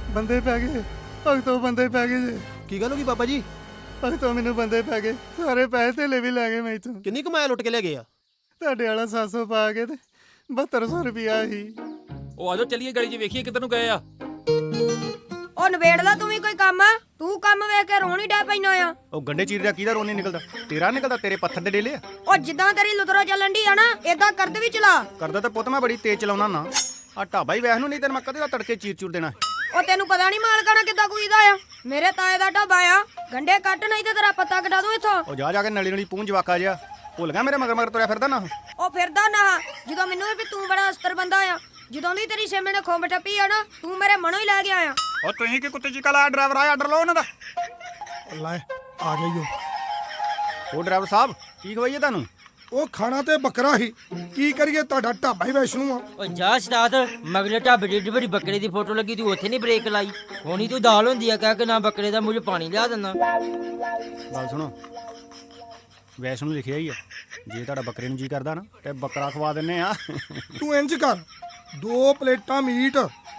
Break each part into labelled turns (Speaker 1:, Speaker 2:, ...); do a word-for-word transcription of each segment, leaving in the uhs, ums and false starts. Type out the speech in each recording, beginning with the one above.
Speaker 1: ਬੰਦੇ ਪੈ ਗਏ ਭਗਤੋਂ, ਬੰਦੇ ਪੈ ਗਏ ਜੇ।
Speaker 2: ਕੀ ਗੱਲ ਹੋ ਗਈ ਬਾਬਾ ਜੀ?
Speaker 1: ਭਗਤੋਂ ਮੈਨੂੰ ਬੰਦੇ ਪੈ ਗਏ, ਸਾਰੇ ਪੈਸੇ ਧੇਲੇ ਵੀ ਲੈ ਗਏ ਮੈਥੋਂ।
Speaker 2: ਕਿੰਨੀ ਕਮਾਇਆ ਲੁੱਟ ਕੇ ਲੈ ਗਏ ਆ?
Speaker 1: ਤੁਹਾਡੇ ਵਾਲਾ ਸੱਤ ਸੌ ਪਾ ਕੇ ਤੇ ਬਹੱਤਰ ਸੌ ਰੁਪਿਆ ਸੀ।
Speaker 3: ਉਹ ਆਜੋ ਚੱਲੀਏ ਗਲੀ 'ਚ ਵੇਖੀਏ ਕਿੱਧਰ ਨੂੰ ਗਏ ਆ।
Speaker 4: ਉਹ ਨਵੇੜ ਲਾ ਤੂੰ ਵੀ ਕੋਈ ਕੰਮ, ਤੂੰ ਕੰਮ ਵੇਖ ਕੇ ਰੋਣ ਹੀ ਡੈ ਪੈਣਾ ਆ।
Speaker 5: ਉਹ ਗੰਡੇ ਚੀਰ ਦਾ ਕਿਹਦਾ ਰੋਣੀ ਨਿਕਲਦਾ? ਤੇਰਾ ਨਿਕਲਦਾ, ਤੇਰੇ ਪੱਥਰ ਦੇ ਡੇਲੇ ਆ।
Speaker 4: ਉਹ ਜਿੱਦਾਂ ਤੇਰੀ ਲੁਤਰੋ ਚੱਲਣ ਦੀ ਆ ਨਾ, ਏਦਾਂ ਕਰਦ ਵੀ ਚਲਾ।
Speaker 5: ਕਰਦਾ ਤਾਂ ਪੁੱਤ ਮੈਂ ਬੜੀ ਤੇਜ਼ ਚਲਾਉਣਾ ਨਾ। ਆ ਢਾਬਾ ਹੀ ਵੈਸ ਨੂੰ, ਨਹੀਂ ਤੈਨੂੰ ਮੈਂ ਕਦੇ ਦਾ ਤੜਕੇ ਚੀਰ ਚੂਰ ਦੇਣਾ।
Speaker 4: ਉਹ ਤੈਨੂੰ ਪਤਾ ਨਹੀਂ ਮਾਲਕਾਣਾ ਕਿੱਦਾਂ ਕੁਈਦਾ ਆ। ਮੇਰੇ ਤਾਏ ਦਾ ਢਾਬਾ ਆ, ਗੰਡੇ ਕੱਟ ਨਹੀਂ ਤੇ ਤੇਰਾ ਪੱਤਾ ਕਟਾ ਦੂੰ ਇੱਥੋਂ।
Speaker 5: ਉਹ ਜਾ ਜਾ ਕੇ ਨਲੀ ਨਲੀ ਪੂੰਝ ਜਵਾਕਾ ਜਿਆ ਭੁੱਲ ਗਿਆ ਮੇਰੇ ਮਗਰ ਮਗਰ ਤੁਰਿਆ ਫਿਰਦਾ ਨਾ।
Speaker 4: ਉਹ ਫਿਰਦਾ ਨਾ, ਜਦੋਂ ਮੈਨੂੰ ਵੀ ਤੂੰ ਬੜਾ ਅਸਤਰ ਬੰਦਾ ਆ। ਜਦੋਂ ਦੀ ਤੇਰੀ ਛੇਮੇ ਨੇ ਖੋਬ ਟੱਪੀ ਆ ਨਾ, ਤੂੰ ਮੇਰੇ ਮਨੋਂ ਹੀ ਲੈ ਗਿਆ ਆ।
Speaker 5: ਉਹ ਤੁਸੀਂ ਕੀ ਕੁੱਤੇ ਚੀਕਾ ਲਾਇਆ? ਡਰਾਈਵਰ ਆਇਆ, ਆਰਡਰ ਲਓ ਉਹਨਾਂ ਦਾ।
Speaker 6: ਲੈ ਆ ਗਈ
Speaker 5: ਉਹ ਡਰਾਈਵਰ ਸਾਹਿਬ ਕੀ ਖਵਾਈਏ ਤੁਹਾਨੂੰ?
Speaker 6: ਉਹ ਖਾਣਾ ਤੇ ਬੱਕਰਾ ਹੀ, ਕੀ ਕਰੀਏ? ਤੁਹਾਡਾ ਢਾਬਾ ਹੀ ਵੈਸ਼ਨੂ ਆ।
Speaker 7: ਓ ਜਾ ਸਤਾਦ, ਮਗਲੇ ਢਾਬੇ ਦੀ ਏਡੀ ਵੱਡੀ ਬੱਕਰੇ ਦੀ ਫੋਟੋ ਲੱਗੀ, ਤੂੰ ਉੱਥੇ ਨਹੀਂ ਬ੍ਰੇਕ ਲਾਈ। ਹੋਣੀ ਤੂੰ ਦਾਲ ਹੁੰਦੀ ਆ ਕਹਿ ਕੇ ਨਾ ਬੱਕਰੇ ਦਾ ਮੂੰਹ ਪਾਣੀ ਲਿਆ ਦਿੰਦਾ।
Speaker 5: ਗੱਲ ਸੁਣੋ, ਵੈਸ ਨੂੰ ਲਿਖਿਆ ਹੀ ਆ, ਜੇ ਤੁਹਾਡਾ ਬੱਕਰੇ ਨੂੰ ਜੀ ਕਰਦਾ ਨਾ ਤੇ ਬੱਕਰਾ ਖਵਾ ਦਿੰਨੇ ਆ।
Speaker 6: ਤੂੰ ਇੰਜ ਕਰ, ਦੋ ਪਲੇਟਾਂ ਮੀਟ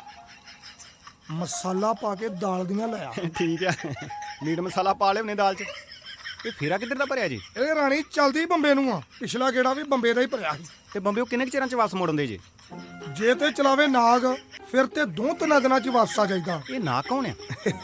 Speaker 6: ਮਸਾਲਾ ਪਾ ਕੇ ਦਾਲ ਦੀਆਂ ਲੈ ਆ।
Speaker 5: ਠੀਕ ਆ, ਮੀਟ ਮਸਾਲਾ ਪਾ ਲਿਓ ਨੇ ਦਾਲ 'ਚ। ਇਹ ਫੇਰਾ ਕਿੱਧਰ ਦਾ ਭਰਿਆ ਜੀ?
Speaker 6: ਇਹ ਰਾਣੀ ਚਲਦੀ ਬੰਬੇ ਨੂੰ ਆ, ਪਿਛਲਾ ਗੇੜਾ ਵੀ ਬੰਬੇ ਦਾ ਹੀ ਭਰਿਆ ਸੀ।
Speaker 5: ਤੇ ਬੰਬੇ ਉਹ ਕਿੰਨੇ ਕੁ ਚਿਰਾਂ 'ਚ ਵਾਪਸ ਮੋੜਨ ਦੇ ਜੇ?
Speaker 6: ਜੇ ਤੇ ਚਲਾਵੇ ਨਾਗ ਫਿਰ ਤੇ ਦੋ ਤਿੰਨ ਦਿਨਾਂ 'ਚ ਵਾਪਸ ਆ ਜਾਈਦਾ।
Speaker 5: ਇਹ ਨਾ ਕੌਣ ਆ?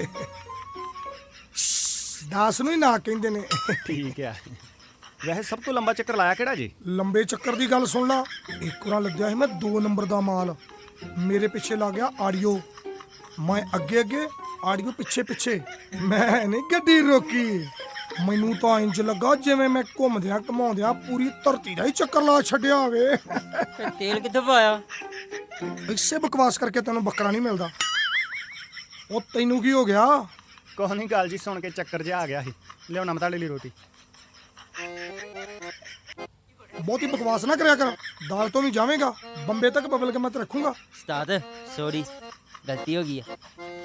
Speaker 6: ਦਾਸ ਨੂੰ ਹੀ ਨਾਗ ਕਹਿੰਦੇ ਨੇ।
Speaker 5: ਠੀਕ ਆ, ਵੈਸੇ ਸਭ ਤੋਂ ਲੰਬਾ ਚੱਕਰ ਲਾਇਆ ਕਿਹੜਾ ਜੀ?
Speaker 6: ਲੰਬੇ ਚੱਕਰ ਦੀ ਗੱਲ ਸੁਣ ਲਾ, ਇੱਕ ਵਾਰ ਲੱਗਿਆ ਸੀ ਮੈਂ ਦੋ ਨੰਬਰ ਦਾ ਮਾਲ, ਮੇਰੇ ਪਿੱਛੇ ਲੱਗ ਗਿਆ ਆਡੀਓ, ਮੈਂ ਅੱਗੇ ਅੱਗੇ ਆਡੀਓ ਪਿੱਛੇ ਪਿੱਛੇ। ਮੈਂ ਨਹੀਂ ਗੱਡੀ ਰੋਕੀ, ਮੈਨੂੰ ਤਾਂ ਇੰਜ ਲੱਗਾ ਜਿਵੇਂ ਮੈਂ ਘੁੰਮਦਿਆਂ ਘਮਾਉਂਦਿਆਂ ਪੂਰੀ ਧਰਤੀ ਦਾ ਹੀ ਚੱਕਰ ਲਾ ਛੱਡਿਆ ਹੋਵੇ।
Speaker 7: ਤੇ ਤੇਲ ਕਿੱਥੋਂ ਪਾਇਆ?
Speaker 6: ਇਸੇ ਬਕਵਾਸ ਕਰਕੇ ਤੈਨੂੰ ਬੱਕਰਾ ਨਹੀਂ ਮਿਲਦਾ। ਉਹ ਤੈਨੂੰ ਕੀ ਹੋ ਗਿਆ?
Speaker 5: ਕੋਹ ਨਹੀਂ ਗੱਲ ਜੀ, ਸੁਣ ਕੇ ਚੱਕਰ ਜਿਹਾ ਆ ਗਿਆ ਸੀ। ਲਿਆਉਣਾ ਮੈਂ ਤੁਹਾਡੇ ਲਈ ਰੋਟੀ।
Speaker 6: ਬਹੁਤੀ ਬਕਵਾਸ ਨਾ ਕਰਿਆ ਕਰ, ਦਾਲ ਤੋਂ ਵੀ ਜਾਵੇਂਗਾ ਬੰਬੇ ਤੱਕ ਬਬਲ ਕੇ ਮੈਂ ਤੇ ਰੱਖੂੰਗਾ।
Speaker 7: ਸਤਾਦ ਸੌਰੀ, ਗਲਤੀ ਹੋ ਗਈ ਆ।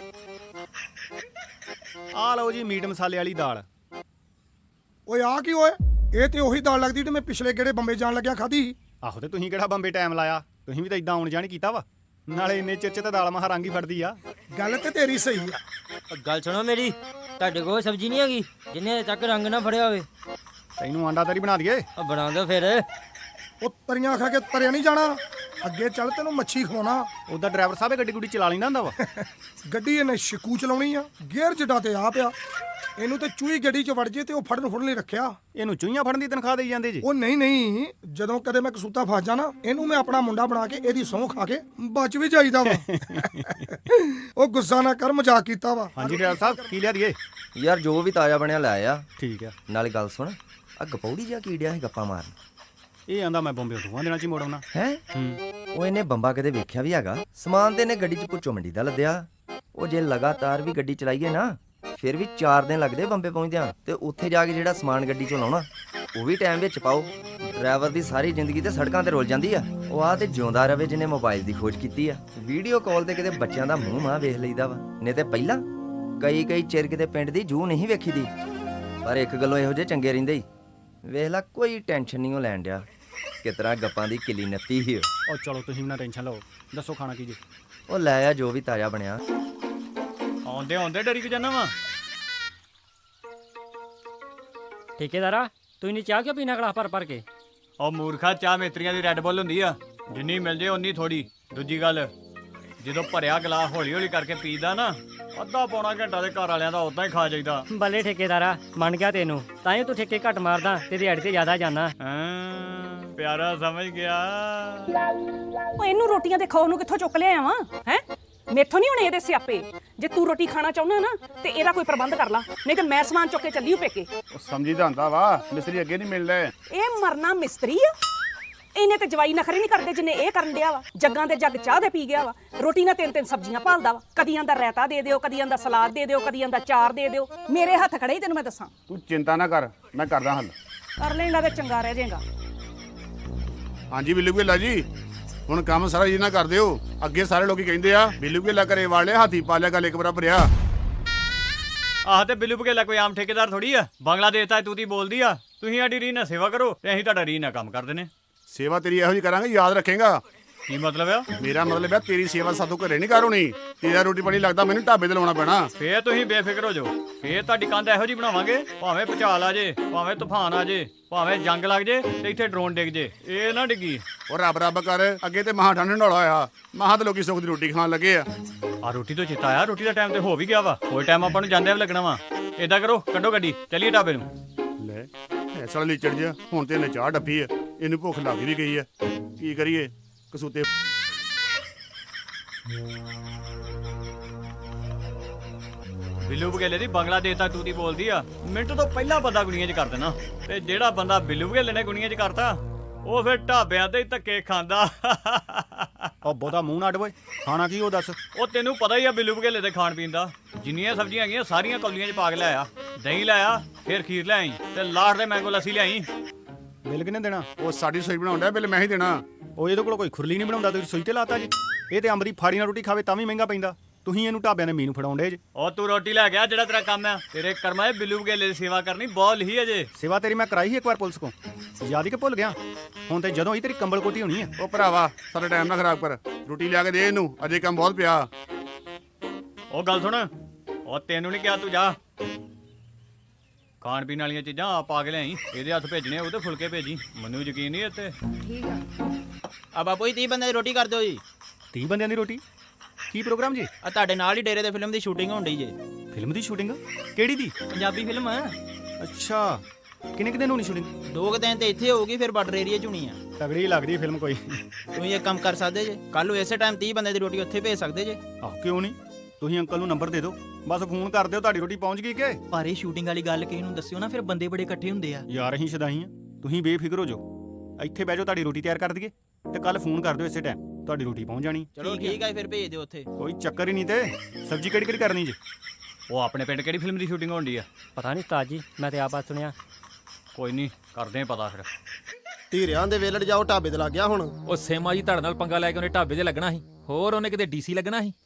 Speaker 5: ਆ ਲਓ ਜੀ ਮੀਟ ਮਸਾਲੇ ਵਾਲੀ ਦਾਲ।
Speaker 6: ਓਏ ਆ ਕੀ ਓਏ, ਇਹ ਤੇ ਉਹੀ ਦਾਲ ਲੱਗਦੀ ਤੇ ਮੈਂ ਪਿਛਲੇ ਗੇੜੇ ਬੰਬੇ ਜਾਣ ਲੱਗਿਆ ਖਾਧੀ ਸੀ।
Speaker 5: ਆਹੋ, ਤੇ ਤੁਸੀਂ ਕਿਹੜਾ ਬੰਬੇ ਟਾਈਮ ਲਾਇਆ? ਤੁਸੀਂ ਵੀ ਤਾਂ ਇਦਾਂ ਆਉਣ ਜਾਣ ਕੀਤਾ ਵਾ। ਨਾਲੇ ਇੰਨੇ ਚਿਰ 'ਚ ਤਾਂ ਦਾਲ ਮਹਾ ਰੰਗ ਹੀ ਫੜਦੀ ਆ।
Speaker 6: ਗੱਲ ਤੇ ਤੇਰੀ ਸਹੀ ਆ।
Speaker 7: ਓ ਗੱਲ ਸੁਣੋ ਮੇਰੀ, ਤੁਹਾਡੇ ਕੋਲ ਸਬਜ਼ੀ ਨਹੀਂ ਹੈਗੀ ਜਿੰਨੇ ਹਜੇ ਤੱਕ ਰੰਗ ਨਾ ਫੜਿਆ ਹੋਵੇ?
Speaker 5: ਤੈਨੂੰ ਆਂਡਾ ਤਰੀ ਬਣਾ ਦਈਏ?
Speaker 7: ਉਹ ਬਣਾ ਦਿਓ ਫਿਰ।
Speaker 6: ਉਹ ਤਰੀਆਂ ਖਾ ਕੇ ਤਰਿਆ ਨਹੀਂ ਜਾਣਾ, ਅੱਗੇ ਚੱਲ ਤੈਨੂੰ ਮੱਛੀ ਖਵਾਉਣਾ।
Speaker 5: ਉਹਦਾ ਡਰਾਈਵਰ ਸਾਹਿਬ ਇਹ ਗੱਡੀ ਗੁੱਡੀ ਚਲਾ ਲੈਂਦਾ ਹੁੰਦਾ ਵਾ।
Speaker 6: ਗੱਡੀ ਇਹਨੇ ਸ਼ਿਕੂ ਚਲਾਉਣੀ ਆ, ਗੇਅਰ ਜਡਾ ਤੇ ਆ ਪਿਆ। ਇਹਨੂੰ ਤੇ ਚੂਹੀ ਗੱਡੀ 'ਚ ਵੜ ਜੇ ਤੇ ਉਹ ਫੜਨ ਫੁੜਨ ਲਈ ਰੱਖਿਆ।
Speaker 5: ਇਹਨੂੰ ਚੂਹੀਆਂ ਫੜਨ ਦੀ ਤਨਖਾਹ ਦੇਈ ਜਾਂਦੇ ਜੀ?
Speaker 6: ਉਹ ਨਹੀਂ ਨਹੀਂ, ਜਦੋਂ ਕਦੇ ਮੈਂ ਕਸੂਤਾ ਫਸ ਜਾਣਾ, ਇਹਨੂੰ ਮੈਂ ਆਪਣਾ ਮੁੰਡਾ ਬਣਾ ਕੇ ਇਹਦੀ ਸਹੁੰ ਖਾ ਕੇ ਬਚ ਵੀ ਜਾਈਦਾ ਵਾ। ਉਹ ਗੁੱਸਾ ਨਾ ਕਰ, ਮਜ਼ਾਕ ਕੀਤਾ ਵਾ।
Speaker 5: ਹਾਂਜੀ ਡਰਾਈਵਰ ਸਾਹਿਬ ਕੀ ਲਿਆ ਦਈਏ?
Speaker 8: ਯਾਰ ਜੋ ਵੀ ਤਾਜ਼ਾ ਬਣਿਆ ਲੈ ਆ।
Speaker 5: ਠੀਕ ਆ।
Speaker 8: ਨਾਲੇ ਗੱਲ ਸੁਣ, ਆ ਗਪੌੜੀ ਜਿਹਾ ਕੀ ਡਿਆ ਸੀ ਗੱਪਾਂ ਮਾਰਨ?
Speaker 5: ਇਹ ਆਂਦਾ ਮੈਂ ਬੰਬੇ ਦੋਵਾਂ ਦਿਨਾਂ 'ਚ ਹੀ ਮੋੜ ਆਉਣਾ।
Speaker 8: ਹੈ ਉਹ ਇਹਨੇ ਬੰਬਾ ਕਦੇ ਵੇਖਿਆ ਵੀ ਹੈਗਾ? ਸਮਾਨ ਤੇ ਇਹਨੇ ਗੱਡੀ 'ਚ ਪੁੱਛੋ ਮੰਡੀ ਦਾ ਲੱਦਿਆ। ਉਹ ਜੇ ਲਗਾਤਾਰ ਵੀ ਗੱਡੀ ਚਲਾਈਏ ਨਾ, ਫਿਰ ਵੀ ਚਾਰ ਦਿਨ ਲੱਗਦੇ ਬੰਬੇ ਪਹੁੰਚਦਿਆਂ। ਤੇ ਉੱਥੇ ਜਾ ਕੇ ਜਿਹੜਾ ਸਮਾਨ ਗੱਡੀ 'ਚੋਂ ਲਾਉਣਾ ਉਹ ਵੀ ਟਾਈਮ ਵਿੱਚ ਪਾਓ। ਡਰਾਈਵਰ ਦੀ ਸਾਰੀ ਜ਼ਿੰਦਗੀ ਤੇ ਸੜਕਾਂ ਤੇ ਰੁਲ ਜਾਂਦੀ ਆ। ਉਹ ਆ ਤੇ ਜਿਉਂਦਾ ਰਵੇ ਜਿਹਨੇ ਮੋਬਾਈਲ ਦੀ ਖੋਜ ਕੀਤੀ ਆ। ਵੀਡੀਓ ਕਾਲ ਤੇ ਕਿਤੇ ਬੱਚਿਆਂ ਦਾ ਮੂੰਹ ਮਾਂ ਵੇਖ ਲਈਦਾ ਵਾ, ਨਹੀਂ ਤੇ ਪਹਿਲਾਂ ਕਈ ਕਈ ਚਿਰ ਕਿਤੇ ਪਿੰਡ ਦੀ ਜੂ ਨਹੀਂ ਵੇਖੀ ਦੀ। ਪਰ ਇੱਕ ਗੱਲੋਂ ਇਹੋ ਜਿਹੇ ਚੰਗੇ ਰਹਿੰਦੇ ਹੀ, ਵੇਖ ਲਾ ਕੋਈ ਟੈਨਸ਼ਨ ਨਹੀਂ ਉਹ ਲੈਣ ਡਿਆ। ਕਿਤਰਾ ਗੱਪਾਂ ਦੀ ਕਿਲੀ ਨੱਤੀ ਹੀ।
Speaker 5: ਉਹ ਚਲੋ ਤੁਸੀਂ ਵੀ ਨਾ ਟੈਨਸ਼ਨ ਲਓ, ਦੱਸੋ ਖਾਣਾ ਕੀ ਜੀ?
Speaker 8: ਉਹ ਲੈ ਆ ਜੋ ਵੀ ਤਾਜ਼ਾ ਬਣਿਆ।
Speaker 5: ਆਉਂਦੇ ਆਉਂਦੇ ਡਰੀ ਕਿ ਜਾਣਾ ਵਾ।
Speaker 7: ਠੇਕੇਦਾਰਾ ਤੂੰ ਇਨੀ ਚਾਹ ਕਿਉਂ ਪੀਣਾ ਗਲਾਸ ਭਰ ਭਰ ਕੇ?
Speaker 3: ਉਹ ਮੂਰਖਾ, ਚਾਹ ਮੇਤਰੀਆਂ ਦੀ ਰੈੱਡ ਬੁੱਲ ਹੁੰਦੀ ਆ, ਜਿੰਨੀ ਮਿਲ ਜੇ ਉਨੀ ਥੋੜੀ। ਦੂਜੀ ਗੱਲ, ਜਦੋਂ ਭਰਿਆ ਗਲਾਸ ਹੌਲੀ ਹੌਲੀ ਕਰਕੇ ਪੀਦਾ ਨਾ, ਅੱਧਾ ਪੌਣਾ ਘੰਟਾ ਦੇ ਘਰ ਵਾਲਿਆਂ ਦਾ ਉਦਾਂ ਹੀ ਖਾ ਜਾਈਦਾ।
Speaker 7: ਬੱਲੇ ਠੇਕੇਦਾਰਾ, ਮੰਨ ਗਿਆ ਤੈਨੂੰ, ਤਾਂ ਹੀ ਤੂੰ ਠੇਕੇ ਘੱਟ ਮਾਰਦਾ ਤੇ ਦਿਹਾੜੀ ਤੇ ਜ਼ਿਆਦਾ ਜਾਂਦਾ।
Speaker 3: ਹਾਂ, ਪਿਆਰਾ ਸਮਝ ਗਿਆ।
Speaker 9: ਉਹ ਇਹਨੂੰ ਰੋਟੀਆਂ ਦੇ ਖਾਓ ਨੂੰ ਕਿੱਥੋਂ ਚੁੱਕ ਲਿਆ ਵਾਂ? ਹੈ ਮੇਥੋਂ ਨਹੀਂ ਹੋਣੇ ਇਹਦੇ ਸਿਆਪੇ। ਜੇ ਤੂੰ ਰੋਟੀ ਖਾਣਾ ਚਾਹੁੰਦਾ ਨਾ ਤੇ ਇਹਦਾ ਕੋਈ ਪ੍ਰਬੰਧ ਕਰ ਲਾ, ਨਹੀਂ ਤੇ ਮੈਂ ਸਮਾਨ ਚੁੱਕ ਕੇ ਚੱਲੀ ਹੂੰ ਪੇਕੇ।
Speaker 5: ਉਹ ਸਮਝੀਦਾ ਹੁੰਦਾ ਵਾ, ਮਿਸਤਰੀ ਅੱਗੇ ਨਹੀਂ ਮਿਲਦੇ।
Speaker 9: ਇਹ ਮਰਨਾ ਮਿਸਤਰੀ ਆ? ਇਹਨੇ ਤੇ ਜਵਾਈ ਨਖਰੇ ਨਹੀਂ ਕਰਦੇ ਜਿੰਨੇ ਇਹ ਕਰਨ ਡਿਆ ਵਾ। ਜੱਗਾਂ ਦੇ ਜੱਗ ਚਾਹ ਦੇ ਪੀ ਗਿਆ ਵਾ, ਰੋਟੀ ਨਾਲ ਤਿੰਨ ਤਿੰਨ ਸਬਜ਼ੀਆਂ ਭਾਲਦਾ ਵਾ। ਕਦੀ ਆਂਦਾ ਰਾਇਤਾ ਦੇ ਦਿਓ, ਕਦੀ ਆਂਦਾ ਸਲਾਦ ਦੇ ਦਿਓ, ਕਦੀ ਆਂਦਾ ਚਾਰ ਦੇ ਦਿਓ। ਮੇਰੇ ਹੱਥ ਖੜੇ ਹੀ ਤੈਨੂੰ ਮੈਂ ਦੱਸਾਂ।
Speaker 5: ਤੂੰ ਚਿੰਤਾ ਨਾ ਕਰ, ਮੈਂ ਕਰਦਾ ਹੱਲ।
Speaker 9: ਕਰ ਲੈਂਦਾ ਤੇ ਚੰਗਾ ਰਹਿ ਜਾਏਗਾ।
Speaker 10: ਹਾਂਜੀ ਬਿੱਲੂ ਭੇਲਾ ਜੀ, ਹੁਣ ਕੰਮ ਸਾਰਾ ਜੀ ਨਾ ਕਰ ਦਿਓ। ਅੱਗੇ ਸਾਰੇ ਲੋਕੀ ਕਹਿੰਦੇ ਆ ਬਿੱਲੂ ਭੇਲਾ ਘਰੇ ਵਾਲੇ ਹਾਥੀ ਪਾਲਿਆ ਗੱਲ ਇੱਕ ਬਰਾਬਰ ਆ।
Speaker 3: ਆਹ ਤੇ ਬਿੱਲੂ ਬਘੇਲਾ ਕੋਈ ਆਮ ਠੇਕੇਦਾਰ ਥੋੜੀ ਆ। ਬੰਗਲਾਦੇਸ਼ ਤਾਂ ਤੂਤੀ ਬੋਲਦੀ ਆ। ਤੁਸੀਂ ਸਾਡੀ ਰੀਹ ਨਾਲ ਸੇਵਾ ਕਰੋ ਤੇ ਅਸੀਂ ਤੁਹਾਡਾ ਰੀਹ ਨਾਲ ਕੰਮ ਕਰ ਦਿੰਨੇ।
Speaker 10: ਸੇਵਾ ਤੇਰੀ ਇਹੋ ਜਿਹੀ ਕਰਾਂਗੇ, ਯਾਦ ਰੱਖੇਗਾ।
Speaker 3: ਕੀ ਮਤਲਬ ਆ?
Speaker 10: ਮੇਰਾ ਮਤਲਬ ਹੈ ਤੇਰੀ ਸੇਵਾ ਸਾਥੋਂ ਘਰੇ ਨਹੀਂ ਕਰ ਹੋਣੀ। ਤੇਰਾ ਰੋਟੀ ਪਾਣੀ ਲੱਗਦਾ ਮੈਨੂੰ ਢਾਬੇ ਤੇ ਲਾਉਣਾ ਪੈਣਾ।
Speaker 3: ਫੇਰ ਤੁਸੀਂ ਬੇਫਿਕਰ ਹੋ ਜਾਓ। ਫੇਰ ਤੁਹਾਡੀ ਕੰਧ ਇਹੋ ਜੀ ਬਣਾਵਾਂਗੇ, ਭਾਵੇਂ ਭੁਚਾਲ ਆ ਜੇ, ਭਾਵੇਂ ਤੂਫਾਨ ਆ ਜੇ, ਭਾਵੇਂ ਜੰਗ ਲੱਗ ਜੇ ਤੇ ਇੱਥੇ ਡਰੋਨ ਡਿੱਗ ਜੇ, ਇਹ ਨਾ ਡਿੱਗੀ।
Speaker 10: ਉਹ ਰੱਬ ਰੱਬ ਕਰ, ਅੱਗੇ ਤੇ ਮਹਾ ਠੰਡ ਢੋਲਾ ਹੋਇਆ, ਮਹਾ ਤੇ ਲੋਕੀ ਸੁੱਖ ਦੀ ਰੋਟੀ ਖਾਣ ਲੱਗੇ ਆ।
Speaker 3: ਆ ਰੋਟੀ ਤੋਂ ਚਿੱਤਾ ਆਇਆ, ਰੋਟੀ ਦਾ ਟਾਈਮ ਤੇ ਹੋ ਵੀ ਗਿਆ ਵਾ। ਕੋਈ ਟਾਈਮ ਆਪਾਂ ਨੂੰ ਜਾਂਦੇ ਵੀ ਲੱਗਣਾ ਵਾ। ਏਦਾਂ ਕਰੋ, ਕੱਢੋ ਗੱਡੀ, ਚੱਲੀਏ ਢਾਬੇ ਨੂੰ।
Speaker 10: ਲੈ ਐਸਾ ਲੀਚੜ ਜਿਹਾ, ਹੁਣ ਤੇ ਇਹਨੇ ਚਾਹ ਡੱਫੀ ਆ, ਇਹਨੂੰ ਭੁੱਖ ਲੱਗ ਵੀ ਗਈ ਆ। ਕੀ ਕਰੀਏ ਕਸੂਤੇ।
Speaker 3: ਬਿੱਲੂ ਬਘੇਲੇ ਦੀ ਬੰਗਲਾ ਦੇਤਾ ਤੂਤੀ ਬੋਲਦੀ ਆ। ਮਿੰਟ ਤੋਂ ਪਹਿਲਾਂ ਬੰਦਾ ਗੁਣੀਆਂ 'ਚ ਕਰ ਦੇਣਾ, ਤੇ ਜਿਹੜਾ ਬੰਦਾ ਬਿੱਲੂ ਬਘੇਲੇ ਨੇ ਗੁਣੀਆਂ 'ਚ ਕਰਤਾ ਉਹ ਫਿਰ ਢਾਬਿਆਂ ਤੇ ਹੀ ਧੱਕੇ ਖਾਂਦਾ।
Speaker 5: ਉਹ ਬਹੁਤਾ ਮੂੰਹ ਨਾ ਅੱਡ ਓਏ, ਖਾਣਾ ਕੀ ਉਹ ਦੱਸ।
Speaker 3: ਉਹ ਤੈਨੂੰ ਪਤਾ ਹੀ ਆ ਬਿੱਲੂ ਬਘੇਲੇ ਦੇ ਖਾਣ ਪੀਣ ਦਾ। ਜਿੰਨੀਆਂ ਸਬਜ਼ੀਆਂ ਹੈਗੀਆਂ ਸਾਰੀਆਂ ਕੌਲੀਆਂ 'ਚ ਪਾ ਕੇ ਲਿਆਇਆ। ਦਹੀਂ ਲਾਇਆ, ਫਿਰ ਖੀਰ ਲਿਆਈ, ਤੇ ਲਾੜ ਦੇ ਮੈਂਗੋ ਲੱਸੀ ਲਿਆਈ।
Speaker 5: ਬਿੱਲ ਕਿਹਨੇ ਦੇਣਾ?
Speaker 10: ਉਹ ਸਾਡੀ ਸੋਈ ਬਣਾਉਂਦਾ ਬਿੱਲ ਮੈਂ ਹੀ ਦੇਣਾ।
Speaker 5: ਉਹ ਇਹਦੇ ਕੋਲ ਕੋਈ ਖੁਰਲੀ ਨਹੀਂ ਬਣਾਉਂਦਾ, ਤੁਸੀਂ ਸੋਈ ਤੇ ਲਾਤਾ ਜੀ। ਇਹ ਤੇ ਅੰਬਰੀ ਫਾੜੀ ਨਾਲ ਰੋਟੀ ਖਾਵੇ ਤਾਂ ਵੀ ਮਹਿੰਗਾ ਪੈਂਦਾ। ਤੁਸੀਂ ਇਹਨੂੰ ਢਾਬਿਆਂ ਦੇ ਮੀਨੂ ਫੜਾਉਂਦੇ ਜੇ।
Speaker 3: ਉਹ ਤੂੰ ਰੋਟੀ ਲੈ ਗਿਆ, ਜਿਹੜਾ ਤੇਰਾ ਕੰਮ ਆ। ਤੇਰੇ ਕਰਮਾਂ 'ਚ ਬਿੱਲੂ ਬਘੇਲੇ ਦੀ ਸੇਵਾ ਕਰਨੀ ਬਹੁਤ ਲਿਖੀ ਅਜੇ।
Speaker 5: ਸੇਵਾ ਤੇਰੀ ਮੈਂ ਕਰਾਈ ਸੀ ਇੱਕ ਵਾਰ ਪੁਲਿਸ ਕੋ, ਯਾਦ ਹੀ ਕਿ ਭੁੱਲ ਗਿਆ। ਹੁਣ ਤੇ ਜਦੋਂ ਹੀ ਤੇਰੀ ਕੰਬਲ ਕੋਟੀ ਹੋਣੀ ਹੈ।
Speaker 10: ਉਹ ਭਰਾਵਾ ਸਾਡਾ ਟਾਈਮ ਨਾ ਖਰਾਬ ਕਰ, ਰੋਟੀ ਲਿਆ ਕੇ ਦੇ ਇਹਨੂੰ, ਅਜੇ ਕੰਮ ਬਹੁਤ ਪਿਆ।
Speaker 3: ਉਹ ਗੱਲ ਸੁਣ, ਉਹ ਤੈਨੂੰ ਨਹੀਂ ਕਿਹਾ ਤੂੰ ਜਾ। ਖਾਣ ਪੀਣ ਵਾਲੀਆਂ ਚੀਜ਼ਾਂ ਆਪ ਆ ਕੇ ਲਿਆਈ। ਇਹਦੇ ਹੱਥ ਭੇਜਣੇ ਉਹਦੇ ਫੁਲਕੇ ਭੇਜੀ, ਮੈਨੂੰ ਯਕੀਨ ਨਹੀਂ ਇੱਥੇ।
Speaker 4: ਠੀਕ ਆ।
Speaker 2: ਆ ਬਾਪੂ ਜੀ ਤੀਹ ਬੰਦੇ ਦੀ ਰੋਟੀ ਕਰ ਦਿਓ ਜੀ।
Speaker 5: ਤੀਹ ਬੰਦਿਆਂ ਦੀ ਰੋਟੀ? ਕੀ ਪ੍ਰੋਗਰਾਮ ਜੀ?
Speaker 2: ਆ ਤੁਹਾਡੇ ਨਾਲ ਹੀ ਡੇਰੇ ਦੇ ਫਿਲਮ ਦੀ ਸ਼ੂਟਿੰਗ ਹੋਣ ਡਈ ਜੇ।
Speaker 5: ਫਿਲਮ ਦੀ ਸ਼ੂਟਿੰਗ? ਕਿਹੜੀ ਦੀ?
Speaker 2: ਪੰਜਾਬੀ ਫਿਲਮ ਆ।
Speaker 5: ਅੱਛਾ, ਕਿੰਨੇ ਕੁ ਦਿਨ ਹੋਣੀ ਸ਼ੂਟਿੰਗ?
Speaker 2: ਦੋ ਕੁ ਦਿਨ ਤੇ ਇੱਥੇ ਹੋਊਗੀ, ਫਿਰ ਬਾਰਡਰ ਏਰੀਆ 'ਚ ਹੋਣੀ ਆ।
Speaker 5: ਤਗੜੀ ਲੱਗਦੀ ਫਿਲਮ ਕੋਈ।
Speaker 2: ਤੁਸੀਂ ਇੱਕ ਕੰਮ ਕਰ ਸਕਦੇ ਜੇ, ਕੱਲ ਨੂੰ ਇਸੇ ਟਾਈਮ ਤੀਹ ਬੰਦੇ ਦੀ ਰੋਟੀ ਉੱਥੇ ਭੇਜ ਸਕਦੇ ਜੇ।
Speaker 5: ਆਹ ਕਿਉਂ ਨਹੀਂ? ਤੁਸੀਂ ਅੰਕਲ ਨੂੰ ਨੰਬਰ ਦੇ ਦਿਓ, ਬਸ ਫੋਨ ਕਰ ਦਿਓ, ਤੁਹਾਡੀ ਰੋਟੀ ਪਹੁੰਚ ਗਈ ਕਿ?
Speaker 2: ਪਰ ਇਹ ਸ਼ੂਟਿੰਗ ਵਾਲੀ ਗੱਲ ਕਿਸੇ ਨੂੰ ਦੱਸਿਓ ਨਾ, ਫਿਰ ਬੰਦੇ ਬੜੇ ਇਕੱਠੇ ਹੁੰਦੇ ਆ।
Speaker 5: ਯਾਰ ਅਸੀਂ ਸ਼ਦਾਈ ਆ, ਤੁਸੀਂ ਬੇਫਿਕਰ ਹੋ ਜਾਓ। ਇੱਥੇ ਬਹਿ ਜਾਓ, ਤੁਹਾਡੀ ਰੋਟੀ ਤਿਆਰ ਕਰ ਦਈਏ, ਤੇ ਕੱਲ ਫੋਨ ਕਰ ਦਿਓ ਇਸੇ ਟਾਈਮ, ਤੁਹਾਡੀ ਰੋਟੀ ਪਹੁੰਚ ਜਾਣੀ।
Speaker 2: ਚਲੋ ਠੀਕ ਆ, ਫਿਰ ਭੇਜ ਦਿਓ ਉੱਥੇ।
Speaker 5: ਕੋਈ ਚੱਕਰ ਹੀ ਨਹੀਂ। ਤੇ ਸਬਜ਼ੀ ਕਿਹੜੀ ਕਿਹੜੀ ਕਰਨੀ ਜੀ?
Speaker 3: ਉਹ ਆਪਣੇ ਪਿੰਡ ਕਿਹੜੀ ਫਿਲਮ ਦੀ ਸ਼ੂਟਿੰਗ ਹੋਣ ਡਈ ਆ?
Speaker 7: ਪਤਾ ਨਹੀਂ ਉਸਤਾਦ ਜੀ, ਮੈਂ ਤੇ ਆਪ ਆ ਸੁਣਿਆ।
Speaker 3: ਕੋਈ ਨਹੀਂ, ਕਰਦੇ ਆ ਪਤਾ ਫਿਰ।
Speaker 1: ਧੀਰਿਆਂ ਦੇ ਵੇਲੜ ਜਾਓ, ਢਾਬੇ ਤੇ ਲੱਗ ਗਿਆ ਹੁਣ।
Speaker 11: ਉਹ ਸੇਮਾ ਜੀ ਤੁਹਾਡੇ ਨਾਲ ਪੰਗਾ ਲੈ ਕੇ ਉਹਨੇ ਢਾਬੇ ਤੇ ਲੱਗਣਾ ਸੀ, ਹੋਰ ਉਹਨੇ ਕਿਤੇ ਡੀਸੀ ਲੱਗਣਾ ਸੀ।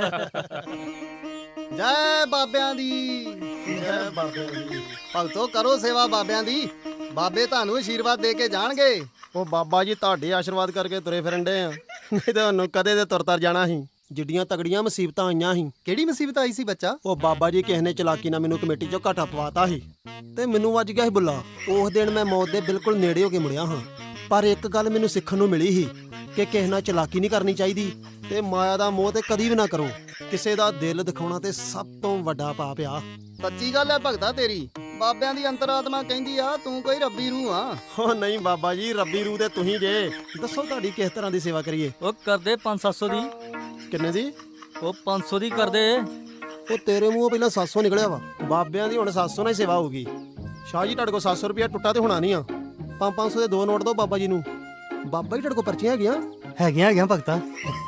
Speaker 1: ਜੈ ਬਾਬਿਆਂ ਦੀ, ਜੈ ਬਾਬਿਆਂ ਦੀ। ਭਗਤੋ ਕਰੋ ਸੇਵਾ ਬਾਬਿਆਂ ਦੀ, ਬਾਬੇ ਤੁਹਾਨੂੰ ਆਸ਼ੀਰਵਾਦ ਦੇ ਕੇ ਜਾਣਗੇ। ਉਹ ਬਾਬਾ ਜੀ ਤੁਹਾਡੇ ਆਸ਼ੀਰਵਾਦ ਕਰਕੇ ਤੁਰੇ ਫਿਰਨ ਡੇ ਆ, ਨਹੀਂ ਤਾਂ ਉਹਨੂੰ ਕਦੇ ਦੇ ਤੁਰ ਤਰ ਜਾਣਾ ਸੀ। ਜਿੱਡੀਆਂ ਤਗੜੀਆਂ ਮੁਸੀਬਤਾਂ ਆਈਆਂ ਸੀ। ਕਿਹੜੀ ਮੁਸੀਬਤ ਆਈ ਸੀ ਬੱਚਾ? ਉਹ ਬਾਬਾ ਜੀ ਕਿਸੇ ਨੇ ਚਲਾਕੀ ਨਾਲ ਮੈਨੂੰ ਕਮੇਟੀ ਚੋਂ ਘਾਟਾ ਪਵਾਤਾ ਸੀ, ਤੇ ਮੈਨੂੰ ਵੱਜ ਗਿਆ ਸੀ ਬੁੱਲਾ। ਉਸ ਦਿਨ ਮੈਂ ਮੌਤ ਦੇ ਬਿਲਕੁਲ ਨੇੜੇ ਹੋ ਕੇ ਮੁੜਿਆ ਹਾਂ। ਪਰ ਇੱਕ ਗੱਲ ਮੈਨੂੰ ਸਿੱਖਣ ਨੂੰ ਮਿਲੀ ਸੀ ਕਿ ਕਿਸੇ ਨਾਲ ਚਲਾਕੀ ਨਹੀਂ ਕਰਨੀ ਚਾਹੀਦੀ, ਤੇ ਮਾਇਆ ਦਾ ਮੋਹ ਤੇ ਕਦੀ ਵੀ ਨਾ ਕਰੋ। ਕਿਸੇ ਦਾ ਦਿਲ ਦਿਖਾਉਣਾ ਤੇ ਸਭ ਤੋਂ ਵੱਡਾ ਪਾਪ ਆ। ਸੱਚੀ ਗੱਲ ਹੈ ਭਗਤਾ ਤੇਰੀ, ਬਾਬਿਆਂ ਦੀ ਅੰਤਰਾਤਮਾ ਕਹਿੰਦੀ ਆ ਤੂੰ ਕੋਈ ਰੱਬੀ ਰੂਹ ਆ। ਓ ਨਹੀਂ ਬਾਬਾ ਜੀ, ਰੱਬੀ ਰੂਹ ਤੇ ਤੁਸੀਂ ਜੇ। ਦੱਸੋ ਤੁਹਾਡੀ ਕਿਸ ਤਰ੍ਹਾਂ ਦੀ ਸੇਵਾ ਕਰੀਏ?
Speaker 7: ਉਹ ਕਰਦੇ ਪੰਜ ਸੱਤ ਸੌ ਦੀ।
Speaker 1: ਕਿੰਨੇ ਦੀ?
Speaker 7: ਉਹ ਪੰਜ ਸੌ ਦੀ ਕਰਦੇ।
Speaker 1: ਉਹ ਤੇਰੇ ਮੂੰਹੋਂ ਪਹਿਲਾਂ ਸੱਤ ਸੌ ਨਿਕਲਿਆ ਵਾ। ਬਾਬਿਆਂ ਦੀ ਹੁਣ ਸੱਤ ਸੌ ਨਾਲ ਹੀ ਸੇਵਾ ਹੋਊਗੀ। ਸ਼ਾਹ ਜੀ ਤੁਹਾਡੇ ਕੋਲ ਸੱਤ ਸੌ ਰੁਪਇਆ ਟੁੱਟਾ ਤੇ ਹੋਣਾ ਨਹੀਂ ਆ। ਪੰਜ ਪੰਜ ਸੌ ਦੇ ਦੋ ਨੋਟ ਦਿਓ ਬਾਬਾ ਜੀ ਨੂੰ। ਬਾਬਾ ਜੀ ਤੁਹਾਡੇ ਕੋਲ ਪਰਚੀਆਂ ਹੈਗੀਆਂ? ਹੈਗੀਆਂ ਹੈਗੀਆਂ ਭਗਤਾ।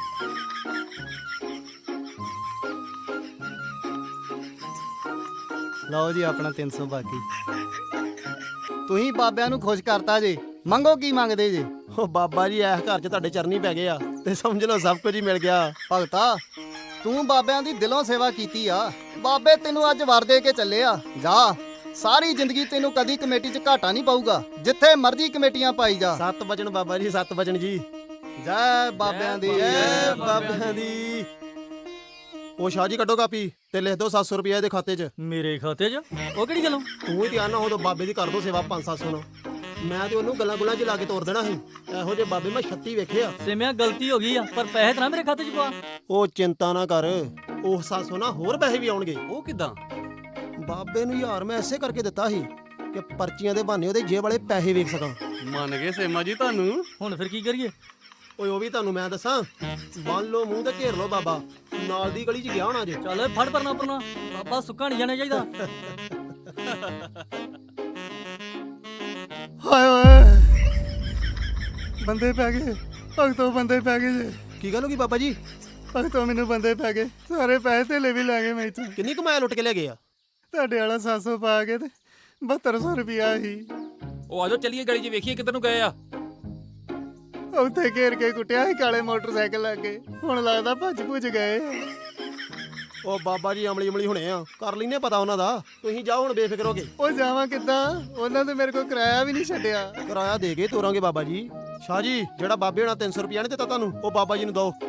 Speaker 1: ਲਓ ਜੀ ਆਪਣਾ ਤਿੰਨ ਸੌ ਬਾਕੀ। ਤੁਸੀਂ ਬਾਬਿਆਂ ਨੂੰ ਖੁਸ਼ ਕਰਤਾ ਜੇ, ਮੰਗੋ ਕੀ ਮੰਗਦੇ ਜੇ? ਉਹ ਬਾਬਾ ਜੀ ਇਸ ਘਰ 'ਚ ਤੁਹਾਡੇ ਚਰਨੀ ਪੈ ਗਏ ਆ, ਤੇ ਸਮਝ ਲਓ ਸਭ ਕੁਝ ਹੀ ਮਿਲ ਗਿਆ। ਭਗਤਾ ਤੂੰ ਬਾਬਿਆਂ ਦੀ ਦਿਲੋਂ ਸੇਵਾ ਕੀਤੀ ਆ, ਬਾਬੇ ਤੈਨੂੰ ਅੱਜ ਵਰ ਦੇ ਕੇ ਚੱਲੇ ਆ। ਜਾ, ਸਾਰੀ ਜ਼ਿੰਦਗੀ ਤੈਨੂੰ ਕਦੀ ਕਮੇਟੀ 'ਚ ਘਾਟਾ ਨਹੀਂ ਪਊਗਾ, ਜਿੱਥੇ ਮਰਜ਼ੀ ਕਮੇਟੀਆਂ ਪਾਈ ਜਾ। ਸੱਤ ਵਚਨ ਬਾਬਾ ਜੀ, ਸੱਤ ਵਚਨ ਜੀ। ਜੈ ਬਾਬਿਆਂ ਦੀ, ਜੈ ਬਾਬਿਆਂ ਦੀ। ਉਹ ਸ਼ਾਹ ਜੀ ਕੱਢੋ ਕਾਪੀ ਤੇ ਲਿਖ ਦਿਓ ਸੱਤ ਸੌ ਰੁਪਏ ਇਹਦੇ ਖਾਤੇ 'ਚ।
Speaker 7: ਮੇਰੇ ਖਾਤੇ 'ਚ? ਉਹ ਕਿਹੜੀ ਗੱਲੋਂ?
Speaker 1: ਤੂੰ ਹੀ ਧਿਆਨ ਨਾ ਹੋ ਤਾਂ ਬਾਬੇ ਦੀ ਕਰ ਦੋ ਸੇਵਾ ਪੰਜ ਸੱਤ ਸੌ ਨਾਲ। ਮੈਂ ਤੇ ਉਹਨੂੰ ਗੱਲਾਂ ਗੁੱਲਾਂ 'ਚ ਲਾ ਕੇ ਤੋਰ ਦੇਣਾ ਸੀ। ਇਹੋ ਜਿਹੇ ਬਾਬੇ ਮੈਂ ਛੱਤੀ ਵੇਖੇ ਆ।
Speaker 7: ਸਿਮਿਆ ਗਲਤੀ ਹੋ ਗਈ ਆ, ਪਰ ਪੈਸੇ ਤਾਂ ਨਾ ਮੇਰੇ ਖਾਤੇ 'ਚ ਪਾ।
Speaker 1: ਉਹ ਚਿੰਤਾ ਨਾ ਕਰ, ਉਹ ਸੱਤ ਸੌ ਨਾਲ ਹੋਰ ਪੈਸੇ ਵੀ ਆਉਣਗੇ।
Speaker 11: ਉਹ ਕਿਦਾਂ?
Speaker 1: ਬਾਬੇ ਨੂੰ ਯਾਰ ਮੈਂ ਐਸੇ ਕਰਕੇ ਦਿੱਤਾ ਸੀ ਕਿ ਪਰਚੀਆਂ ਦੇ ਬਹਾਨੇ ਉਹਦੇ ਜੇਬ ਵਾਲੇ ਪੈਸੇ ਵੇਖ ਸਕਾਂ।
Speaker 11: ਮੰਨ ਗਏ ਸੇਮਾ ਜੀ ਤੁਹਾਨੂੰ।
Speaker 7: ਹੁਣ ਫਿਰ ਕੀ ਕਰੀਏ?
Speaker 1: ਓਏ ਉਹ ਵੀ ਤੁਹਾਨੂੰ ਮੈਂ ਦੱਸਾਂ, ਬੰਨ ਲਓ ਮੂੰਹ ਤੇ ਘੇਰ ਲਓ ਬਾਬਾ, ਨਾਲ ਦੀ ਗਲੀ 'ਚ ਗਿਆ ਹੋਣਾ ਜੇ।
Speaker 7: ਚੱਲ ਫੜ ਪਰਨਾ ਪਰਨਾ, ਬਾਬਾ ਸੁੱਕਾ ਨਹੀਂ ਜਾਣਾ ਚਾਹੀਦਾ।
Speaker 1: ਹਾਏ ਓਏ, ਬੰਦੇ ਪੈ ਗਏ ਭਗਤੋ, ਬੰਦੇ ਪੈ ਗਏ ਜੇ। ਕੀ ਗੱਲ ਹੋ ਗਈ ਬਾਬਾ ਜੀ? ਭਗਤੋ ਮੈਨੂੰ ਬੰਦੇ ਪੈ ਗਏ, ਸਾਰੇ ਪੈਸੇ ਧੇਲੇ ਵੀ ਲੈ ਗਏ ਮੈਥੋਂ। ਕਿੰਨੀ ਕਮਾਇਆ ਲੁੱਟ ਕੇ ਲੈ ਗਏ ਆ? ਤੁਹਾਡੇ ਵਾਲਾ ਸੱਤ ਸੌ ਪਾ ਕੇ ਤੇ ਬਹੱਤਰ ਸੌ ਰੁਪਿਆ ਸੀ।
Speaker 11: ਉਹ ਆਜੋ ਚੱਲੀਏ ਗਲੀ 'ਚ ਵੇਖੀਏ ਕਿੱਧਰ ਨੂੰ ਗਏ ਆ।
Speaker 1: ਉੱਥੇ ਘੇਰ ਕੇ ਕੁੱਟਿਆ ਸੀ ਕਾਲੇ ਮੋਟਰਸਾਈਕਲ ਲੱਗੇ, ਹੁਣ ਲੱਗਦਾ ਭੱਜ ਭੁੱਜ ਗਏ। ਉਹ ਬਾਬਾ ਜੀ ਅਮਲੀ ਅਮਲੀ ਹੁਣੇ ਆ, ਕਰ ਲੈਨੇ ਪਤਾ ਉਹਨਾਂ ਦਾ। ਤੁਸੀਂ ਜਾਓ ਹੁਣ ਬੇਫਿਕਰ ਹੋ ਕੇ। ਉਹ ਜਾਵਾਂ ਕਿੱਦਾਂ? ਉਹਨਾਂ ਨੇ ਮੇਰੇ ਕੋਲ ਕਿਰਾਇਆ ਵੀ ਨਹੀਂ ਛੱਡਿਆ। ਕਿਰਾਇਆ ਦੇ ਕੇ ਤੋਰਾਂਗੇ ਬਾਬਾ ਜੀ। ਸ਼ਾਹ ਜੀ ਜਿਹੜਾ ਬਾਬੇ ਹੋਣਾ ਤਿੰਨ ਸੌ ਰੁਪਿਆ ਨਹੀਂ ਦਿੱਤਾ ਤੁਹਾਨੂੰ ਉਹ ਬਾਬਾ ਜੀ ਨੂੰ ਦਿਓ।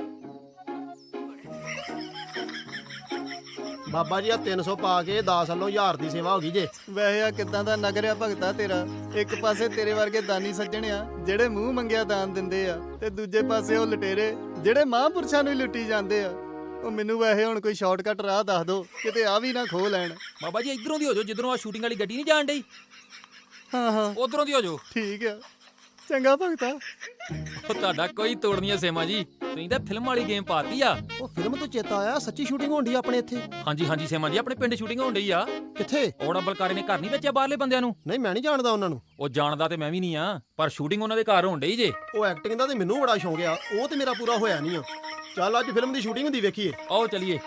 Speaker 1: ਬਾਬਾ ਜੀ ਆ ਤਿੰਨ ਸੌ ਪਾ ਕੇ ਦਸ ਵੱਲੋਂ ਹਜ਼ਾਰ ਦੀ ਸੇਵਾ ਹੋ ਗਈ ਜੇ। ਵੈਸੇ ਆ ਕਿਦਾਂ ਦਾ ਨਗਰਿਆ ਭਗਤਾ ਤੇਰਾ। ਇੱਕ ਪਾਸੇ ਤੇਰੇ ਵਰਗੇ ਦਾਨੀ ਸੱਜਣ ਆ ਜਿਹੜੇ ਮੂੰਹ ਮੰਗਿਆ ਦਾਨ ਦਿੰਦੇ ਆ, ਤੇ ਦੂਜੇ ਪਾਸੇ ਉਹ ਲਟੇਰੇ ਜਿਹੜੇ ਮਹਾਂਪੁਰਸ਼ਾਂ ਨੂੰ ਹੀ ਲੁੱਟੀ ਜਾਂਦੇ ਆ। ਉਹ ਮੈਨੂੰ ਵੈਸੇ ਹੁਣ ਕੋਈ ਸ਼ਾਰਟਕਟ ਰਾਹ ਦੱਸ ਦਿਓ, ਕਿਤੇ ਆ ਵੀ ਨਾ ਖੋਹ ਲੈਣ।
Speaker 11: ਬਾਬਾ ਜੀ ਇਧਰੋਂ ਦੀ ਹੋ ਜਾਓ, ਜਿੱਧਰੋਂ ਆ ਸ਼ੂਟਿੰਗ ਵਾਲੀ ਗੱਡੀ ਨਹੀਂ ਜਾਣ ਡਈ,
Speaker 1: ਹਾਂ ਹਾਂ
Speaker 11: ਉਧਰੋਂ ਦੀ ਹੋ ਜਾਓ।
Speaker 1: ਠੀਕ ਆ, ਚੰਗਾ ਭਗਤਾ।
Speaker 11: ਉਹ ਤੁਹਾਡਾ ਕੋਈ ਤੋੜ ਨਹੀਂ ਹੈ ਸੇਮਾ ਜੀ, ਤੁਸੀਂ ਤਾਂ ਫਿਲਮ ਵਾਲੀ ਗੇਮ ਪਾਤੀ ਆ।
Speaker 1: ਉਹ ਫਿਲਮ ਤੋਂ ਚੇਤਾ ਆਇਆ, ਸੱਚੀ ਸ਼ੂਟਿੰਗ ਹੋਣ ਡਈ ਆ ਆਪਣੇ ਇੱਥੇ।
Speaker 11: ਹਾਂਜੀ ਹਾਂਜੀ ਸੇਮਾ ਜੀ, ਆਪਣੇ ਪਿੰਡ ਸ਼ੂਟਿੰਗ ਹੋਣ ਡਈ ਆ।
Speaker 1: ਕਿੱਥੇ?
Speaker 11: ਔੜਾ ਬਲਕਾਰੇ ਨੇ ਘਰ ਨਹੀਂ ਵੇਚਿਆ ਬਾਹਰਲੇ ਬੰਦਿਆਂ ਨੂੰ।
Speaker 1: ਨਹੀਂ ਮੈਂ ਨਹੀਂ ਜਾਣਦਾ ਉਹਨਾਂ ਨੂੰ।
Speaker 11: ਉਹ ਜਾਣਦਾ ਤੇ ਮੈਂ ਵੀ ਨਹੀਂ ਆ, ਪਰ ਸ਼ੂਟਿੰਗ ਉਹਨਾਂ ਦੇ ਘਰ ਹੋਣ ਡਈ ਜੇ।
Speaker 1: ਉਹ ਐਕਟਿੰਗ ਦਾ ਤੇ ਮੈਨੂੰ ਬੜਾ ਸ਼ੌਂਕ ਆ, ਉਹ ਤੇ ਮੇਰਾ ਪੂਰਾ ਹੋਇਆ ਨਹੀਂ ਆ। ਚੱਲ ਅੱਜ ਫਿਲਮ ਦੀ ਸ਼ੂਟਿੰਗ ਹੁੰਦੀ ਵੇਖੀਏ।
Speaker 11: ਆਓ ਚਲੀਏ।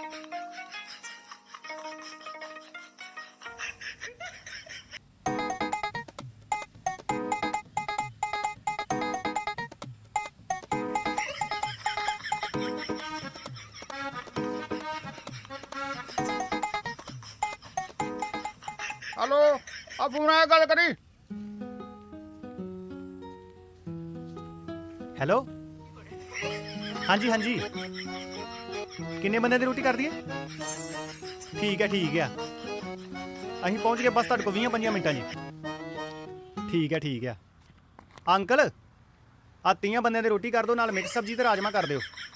Speaker 3: ਹਲੋ ਆ ਫੋਨ ਆਇਆ, ਗੱਲ ਕਰੀ।
Speaker 5: ਹੈਲੋ ਹਾਂਜੀ ਹਾਂਜੀ ਕਿੰਨੇ ਬੰਦੇ ਦੀ ਰੋਟੀ ਕਰਦੀ ਹੈ? ਠੀਕ ਹੈ ਠੀਕ ਹੈ, ਅਸੀਂ ਪਹੁੰਚ ਗਏ ਬਸ ਤੁਹਾਡੇ ਕੋਲ ਵੀਹ ਪੰਜਾਂ ਮਿੰਟਾਂ ਜੀ। ਠੀਕ ਹੈ ਠੀਕ ਹੈ ਅੰਕਲ, ਆ ਤੀਆਂ ਬੰਦਿਆਂ ਦੀ ਰੋਟੀ ਕਰ ਦਿਓ, ਨਾਲ ਮਿਕਸ ਸਬਜ਼ੀ ਤੇ ਰਾਜਮਾ ਕਰ ਦਿਓ।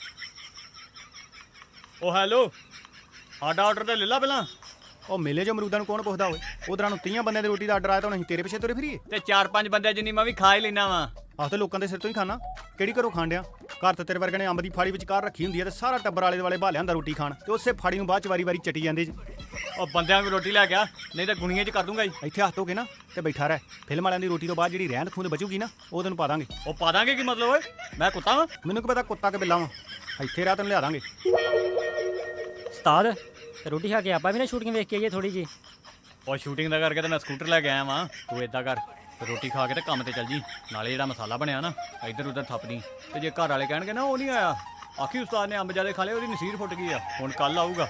Speaker 3: ਉਹ ਹੈਲੋ, ਸਾਡਾ ਆਰਡਰ ਤੇ ਲੈ ਲਾ ਪਹਿਲਾਂ।
Speaker 5: ਉਹ ਮੇਲੇ ਜੋ ਅਮਰੂਦਾਂ ਨੂੰ ਕੌਣ ਪੁੱਛਦਾ ਹੋਏ, ਉਧਰਾਂ ਨੂੰ ਤੀਆਂ ਬੰਦਿਆਂ ਦੀ ਰੋਟੀ ਦਾ ਆਰਡਰ ਆਇਆ ਤਾਂ ਹੁਣ ਅਸੀਂ ਤੇਰੇ ਪਿੱਛੇ ਤੁਰੇ ਫਿਰੀਏ।
Speaker 3: ਤੇ ਚਾਰ ਪੰਜ ਬੰਦੇ ਜਿੰਨੀ ਮੈਂ ਵੀ ਖਾ ਹੀ ਲੈਣਾ ਵਾ।
Speaker 5: ਆਹ ਤੇ ਲੋਕਾਂ ਦੇ ਸਿਰ ਤੋਂ ਹੀ ਖਾਣਾ, ਕਿਹੜੀ ਘਰੋਂ ਖਾਣ ਡਿਆ? ਘਰ ਤੇ ਤੇਰੇ ਵਰਗੇ ਨੇ ਅੰਬ ਦੀ ਫਾੜੀ ਵਿਚਕਾਰ ਰੱਖੀ ਹੁੰਦੀ ਹੈ ਤੇ ਸਾਰਾ ਟੱਬਰ ਆਲੇ ਦੁਆਲੇ ਭਾਲਿਆਂ ਦਾ ਰੋਟੀ ਖਾਣ, ਤੇ ਉਸੇ ਫਾੜੀ ਨੂੰ ਬਾਅਦ ਚ ਵਾਰੀ ਵਾਰੀ ਚਟੀ ਜਾਂਦੇ ਜੀ।
Speaker 3: ਉਹ ਬੰਦਿਆਂ ਨੂੰ ਰੋਟੀ ਲੈ ਗਿਆ, ਨਹੀਂ ਤਾਂ ਗੁਣੀਆਂ 'ਚ ਕਰ ਦੂੰਗਾ ਜੀ।
Speaker 5: ਇੱਥੇ ਹੱਥ ਧੋ ਕੇ ਨਾ ਤੇ ਬੈਠਾ ਰਹਿ, ਫਿਲਮ ਵਾਲਿਆਂ ਦੀ ਰੋਟੀ ਤੋਂ ਬਾਅਦ ਜਿਹੜੀ ਰਹਿੰਦ ਖੂੰਦ ਬਚੂਗੀ ਨਾ ਉਹ ਤੈਨੂੰ ਪਾ ਦਾਂਗੇ।
Speaker 3: ਉਹ ਪਾ ਦਾਂਗੇ ਕੀ ਮਤਲਬ ਓਏ, ਮੈਂ ਕੁੱਤਾ ਵਾਂ?
Speaker 5: ਮੈਨੂੰ ਕੀ ਪਤਾ ਕੁੱਤਾ ਕਿ ਬਿੱਲਾ ਵਾਂ, ਇੱਥੇ ਰਹਿ ਤੈਨੂੰ ਲਿਆ ਦਾਂਗੇ।
Speaker 7: ਉਸਤਾਦ ਰੋਟੀ ਖਾ ਕੇ ਆਪਾਂ ਵੀ ਨਾ ਸ਼ੂਟਿੰਗ ਵੇਖ ਕੇ ਆਈਏ ਥੋੜੀ ਜੀ।
Speaker 3: ਉਹ ਸ਼ੂਟਿੰਗ ਦਾ ਕਰਕੇ ਤਾਂ ਮੈਂ ਸਕੂਟਰ ਲੈ ਕੇ ਆਇਆ ਵਾਂ। ਤੂੰ ਏਦਾਂ ਕਰ, ਰੋਟੀ ਖਾ ਕੇ ਤੇ ਕੰਮ ਤੇ ਚੱਲ ਜੀ, ਨਾਲੇ ਜਿਹੜਾ ਮਸਾਲਾ ਬਣਿਆ ਨਾ ਇੱਧਰ ਉੱਧਰ ਥੱਪਦੀ। ਤੇ ਜੇ ਘਰ ਵਾਲੇ ਕਹਿਣਗੇ ਨਾ ਉਹ ਨਹੀਂ ਆਇਆ, ਆਖੀ ਉਸਤਾਦ ਨੇ ਅੰਬ ਜਿਆਦੇ ਖਾ ਲਏ, ਉਹਦੀ ਨਸੀਰ ਫੁੱਟ ਗਈ ਆ, ਹੁਣ ਕੱਲ ਆਊਗਾ।